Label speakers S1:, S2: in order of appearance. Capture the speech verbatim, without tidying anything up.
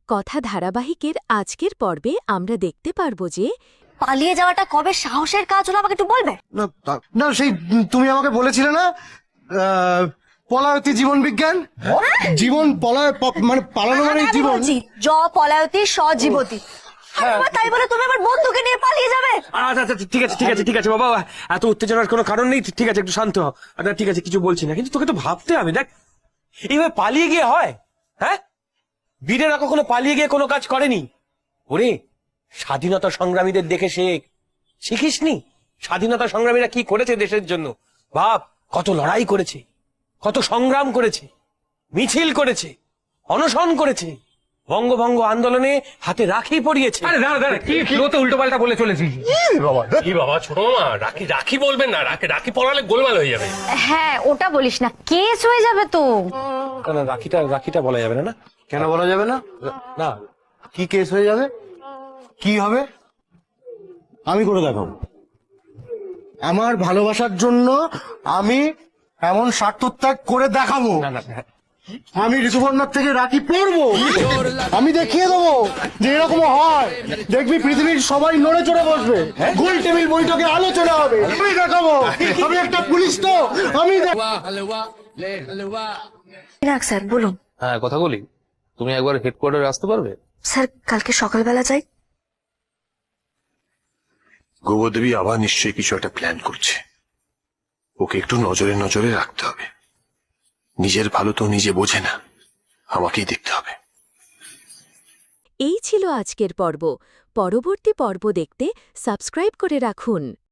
S1: কথা ধারাবাহিকের আজকের পর্বে আমরা দেখতে পারব যে
S2: পালিয়ে যাওয়াটা কবে সাহসের কাজ হলো আমাকে একটু বলবে?
S3: না তা- না সেই তুমি আমাকে বলেছিলে না আহ, পলায়তি জীবন বিজ্ঞান জীবন পলায় প- মানে পালানো মানে
S2: আমি
S3: জীবন
S2: বলছি, জ পলায়তি স জীবতি। আবার তাই বলে তুমি আমার বন্ধুকে নিয়ে পালিয়ে যাবে?
S4: আচ্ছা আচ্ছা ঠিক আছে ঠিক আছে ঠিক আছে বাবা, এত উত্তেজনার কোনো কারণ নেই। ঠিক আছে, একটু শান্ত হ। আচ্ছা ঠিক আছে, কিছু বলছি না, কিন্তু তোকে তো ভাবতে হবে। দেখ, এইভাবে পালিয়ে গিয়ে হয়? হ্যাঁ, বীরেরা কখনো পালিয়ে গিয়ে কোনো কাজ করেনি। ওরে, স্বাধীনতা সংগ্রামীদের দেখে শেখ। শিখিসনি স্বাধীনতা সংগ্রামীরা কি করেছে দেশের জন্য? ভাব, কত লড়াই করেছে, কত সংগ্রাম করেছে, মিছিল করেছে, অনশন করেছে, বঙ্গভঙ্গ আন্দোলনে হাতে রাখি পরিয়েছে।
S5: আরে দাঁড়া দাঁড়া, কি ফ্লোতে উল্টো পাল্টা বলে চলেছিস?
S6: কি বাবা, ছোট মামা, রাখি রাখি বলবেন না, রাখি রাখি পড়ালে গোলমাল হয়ে যাবে।
S2: হ্যাঁ, ওটা বলিস না, কেস হয়ে যাবে তো।
S4: না, না, রাখিটা রাখিটা বলা যাবে না। না
S3: কেন বলা যাবে না?
S4: না,
S3: কি কেস হয়ে যাবে? কি হবে? আমি করে দেখাবো। আমার ভালোবাসার জন্য আমি এমন স্বার্থত্যাগ করে দেখাবো।
S4: না, না, না।
S3: আমি ঋতুপর্ণার থেকে রাখি পরবো, আমি দেখিয়ে দেবো যে এরকম হয়। দেখবি পৃথিবীর সবাই নড়ে চড়ে বসবে, গোল টেবিল বৈঠকে আলোচনা হবে। আমি দেখাবো, আমি একটা পুলিশ তো, আমি দেখ-
S2: রাখ স্যার, বলুন।
S7: হ্যাঁ, কথা বলি। তুমি একবার হেডকোয়ার্টারে আসতে পারবে?
S2: স্যার, কালকে সকালবেলা যাই।
S8: গোবরদেবী আবার নিশ্চয়ই কিছু একটা প্ল্যান করছে। ওকে একটু নজরে নজরে রাখতে হবে। নিজের ভালো তো নিজে বোঝে না, আমাকেই দেখতে হবে।
S1: এই ছিল আজকের পর্ব। পরবর্তী পর্ব দেখতে সাবস্ক্রাইব করে রাখুন।